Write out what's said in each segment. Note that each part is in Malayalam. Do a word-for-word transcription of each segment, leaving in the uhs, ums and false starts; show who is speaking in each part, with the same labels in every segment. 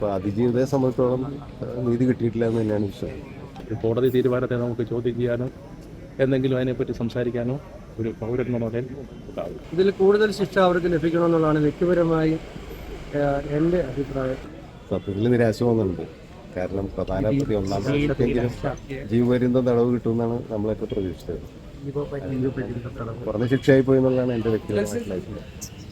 Speaker 1: അപ്പോൾ അതിജീവിതയെ സംബന്ധിച്ചോളം നീതി കിട്ടിയിട്ടില്ല എന്ന് തന്നെയാണ് വിശ്വാസം.
Speaker 2: കോടതി തീരുമാനത്തെ നമുക്ക് ചോദ്യം ചെയ്യാനോ എന്തെങ്കിലും അതിനെപ്പറ്റി സംസാരിക്കാനോ ഒരു പൗരൻ മുതൽ ഉണ്ടാവും.
Speaker 3: ഇതിൽ കൂടുതൽ ശിക്ഷ അവർക്ക് ലഭിക്കണമെന്നുള്ളതാണ് വ്യക്തിപരമായി എൻ്റെ അഭിപ്രായം.
Speaker 1: സത്യത്തിൽ നിരാശ തോന്നുന്നുണ്ട്. കാരണം പ്രധാന പ്രതി ഒന്നാം പ്രാവശ്യത്തെങ്കിലും ജീവപര്യന്തം തടവ് കിട്ടുമെന്നാണ് നമ്മളൊക്കെ പ്രതീക്ഷിച്ചത്. കുറഞ്ഞ ശിക്ഷയായി പോയി എന്നുള്ളതാണ് എൻ്റെ വ്യക്തിപരമായിട്ടുള്ള അഭിപ്രായം.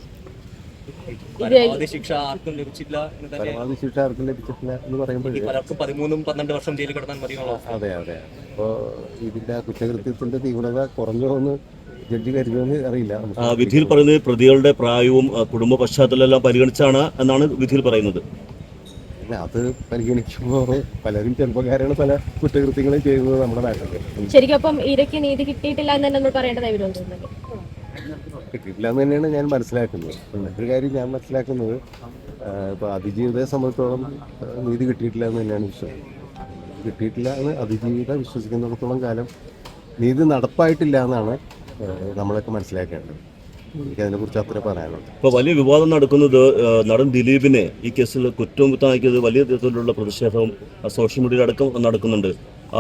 Speaker 4: പരമാവധി ശിക്ഷ ആർക്കും ലഭിച്ചില്ല
Speaker 1: പരമാവധി ശിക്ഷ ആർക്കും ലഭിച്ചിട്ടില്ല എന്ന് പറയുമ്പോൾ
Speaker 4: പലർക്കും പതിമൂന്നും പന്ത്രണ്ട് വർഷം ജയിലിൽ കിടന്നാൽ മതിയാണോ?
Speaker 1: അതെ അതെ അപ്പോൾ ഇതിൻ്റെ കുറ്റകൃത്യത്തിൻ്റെ തീവ്രത കുറഞ്ഞോ എന്ന് ജഡ്ജി കരുതുമെന്ന് അറിയില്ല.
Speaker 5: വിധിയിൽ പറയുന്നത് പ്രതികളുടെ പ്രായവും കുടുംബ പശ്ചാത്തലം എല്ലാം പരിഗണിച്ചാണ് എന്നാണ് വിധിയിൽ പറയുന്നത്.
Speaker 1: അത് പരിഗണിക്കുമ്പോൾ പലരും ചെറുപ്പക്കാരാണ് പല കുറ്റകൃത്യങ്ങളും ചെയ്യുന്നത് നമ്മുടെ നാട്ടിൽ.
Speaker 6: ശരിക്കും അപ്പം ഇരയ്ക്ക് നീതി കിട്ടിയിട്ടില്ല എന്ന് തന്നെ നമ്മൾ പറയേണ്ടതായി വരുമെന്ന്
Speaker 1: കിട്ടിയിട്ടില്ല എന്ന് തന്നെയാണ് ഞാൻ മനസ്സിലാക്കുന്നത്. മറ്റൊരു കാര്യം ഞാൻ മനസ്സിലാക്കുന്നത് ഇപ്പോൾ അതിജീവിതയെ സംബന്ധിച്ചോളം നീതി കിട്ടിയിട്ടില്ല എന്ന് തന്നെയാണ് വിശ്വാസം. കിട്ടിയിട്ടില്ല എന്ന് അതിജീവിത വിശ്വസിക്കുന്നിടത്തോളം കാലം നീതി നടപ്പായിട്ടില്ല എന്നാണ് നമ്മളൊക്കെ മനസ്സിലാക്കേണ്ടത്. എനിക്ക് അതിനെക്കുറിച്ച് അത്ര പറയാനുള്ളത്.
Speaker 5: ഇപ്പോൾ വലിയ വിവാദം നടക്കുന്നത് നടൻ ദിലീപിനെ ഈ കേസിൽ കുറ്റമുക്തമാക്കിയത് വലിയ തരത്തിലുള്ള പ്രതിഷേധവും സോഷ്യൽ മീഡിയയിൽ അടക്കം നടക്കുന്നുണ്ട്.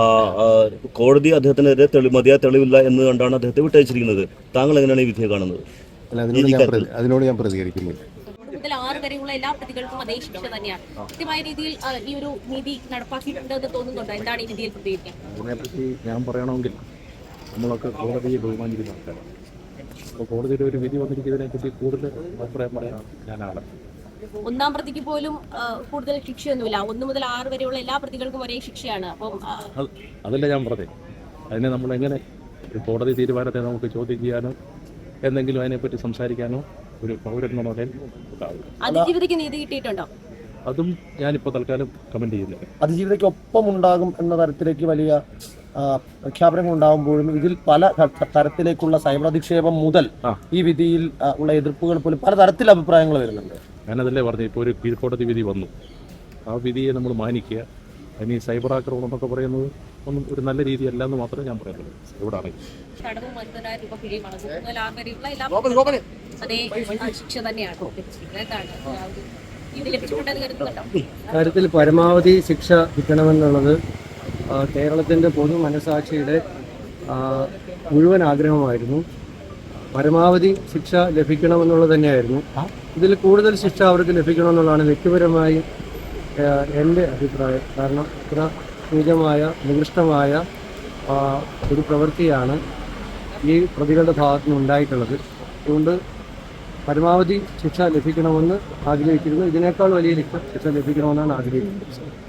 Speaker 5: കോടതി അദ്ദേഹത്തിനെതിരെ തെളി മതിയായ തെളിവില്ല എന്ന് കണ്ടാണ് അദ്ദേഹത്തെ വിട്ടയച്ചിരിക്കുന്നത്. താങ്കൾ എങ്ങനെയാണ് ഈ വിധിയെ കാണുന്നത്?
Speaker 1: അല്ല, അതിനോട് ഞാൻ അതിനോട് ഞാൻ പ്രതികരിക്കുന്നില്ല.
Speaker 7: മുതൽ ആറ് വരെയുള്ള എല്ലാ പ്രതികൾക്കും അതേ ശിക്ഷ തന്നെയാണ്. കൃത്യമായ രീതിയിൽ ഈ ഒരു നീതി നടപ്പാക്കിയിട്ടുണ്ട് എന്ന് തോന്നുന്നുണ്ടോ? എന്താണ് ഈ വിധിയിൽ പ്രതികരിക്കാൻ?
Speaker 2: അതിനെപ്പറ്റി ഞാൻ പറയണമെങ്കിൽ നമ്മളൊക്കെ കോടതിയെ ബഹുമാനിക്കുന്ന ആൾക്കാരാണ്. അപ്പോൾ കോടതിയുടെ ഒരു വിധി വന്നിരിക്കുന്നതിനെപ്പറ്റി കൂടുതൽ അഭിപ്രായം പറയാൻ ഞാനാണ്.
Speaker 7: ഒന്നാം പ്രതിക്ക് പോലും കൂടുതൽ ശിക്ഷയൊന്നുമില്ല. ഒന്ന് മുതൽ ആറ് വരെയുള്ള എല്ലാ പ്രതികൾക്കും ഒരേ ശിക്ഷയാണ്. അപ്പം
Speaker 2: അതല്ല ഞാൻ പറഞ്ഞത്. അതിനെ നമ്മൾ എങ്ങനെ ഒരു കോടതി തീരുമാനത്തെ നമുക്ക് ചോദ്യം ചെയ്യാനോ എന്തെങ്കിലും അതിനെപ്പറ്റി സംസാരിക്കാനോ ഒരു പൗരൻ മുതൽ ഉണ്ടാവും.
Speaker 7: അതിജീവിതയ്ക്ക് നീതി കിട്ടിയിട്ടുണ്ടോ?
Speaker 2: അതും ഞാനിപ്പോൾ തൽക്കാലം കമന്റ് ചെയ്യുന്നില്ല.
Speaker 3: അതിജീവിതയ്ക്ക് ഒപ്പം ഉണ്ടാകും എന്ന തരത്തിലേക്ക് വലിയ പ്രഖ്യാപനങ്ങൾ ഉണ്ടാകുമ്പോഴും ഇതിൽ പല തരത്തിലേക്കുള്ള സൈബർ അധിക്ഷേപം മുതൽ ഈ വിധിയിൽ ഉള്ള എതിർപ്പുകൾ പോലും പല തരത്തിൽ അഭിപ്രായങ്ങൾ വരുന്നുണ്ട്. ഞാനതല്ലേ പറഞ്ഞു, ഇപ്പോൾ ഒരു കീഴ്ക്കോടതി വിധി വന്നു. ആ വിധിയെ നമ്മൾ മാനിക്കുക. അതിന് ഈ സൈബർ ആക്രമണം എന്നൊക്കെ പറയുന്നത് ഒന്നും ഒരു നല്ല രീതിയല്ല എന്ന് മാത്രമേ ഞാൻ പറയുന്നുള്ളൂ. ഇവിടെ അറിയാം കാര്യത്തിൽ പരമാവധി ശിക്ഷ കിട്ടണമെന്നുള്ളത് കേരളത്തിൻ്റെ പൊതു മനസാക്ഷിയുടെ മുഴുവൻ ആഗ്രഹമായിരുന്നു. പരമാവധി ശിക്ഷ ലഭിക്കണമെന്നുള്ളത് തന്നെയായിരുന്നു. ഇതിൽ കൂടുതൽ ശിക്ഷ അവർക്ക് ലഭിക്കണമെന്നുള്ളതാണ് വ്യക്തിപരമായി എൻ്റെ അഭിപ്രായം. കാരണം ഇത്ര നീചമായ നികൃഷ്ടമായ ഒരു പ്രവൃത്തിയാണ് ഈ പ്രതികളുടെ ഭാഗത്തു നിന്ന് ഉണ്ടായിട്ടുള്ളത്. അതുകൊണ്ട് പരമാവധി ശിക്ഷ ലഭിക്കണമെന്ന് ആഗ്രഹിച്ചിരുന്നു. ഇതിനേക്കാൾ വലിയ ശിക്ഷ ലഭിക്കണമെന്നാണ് ആഗ്രഹിക്കുന്നത്.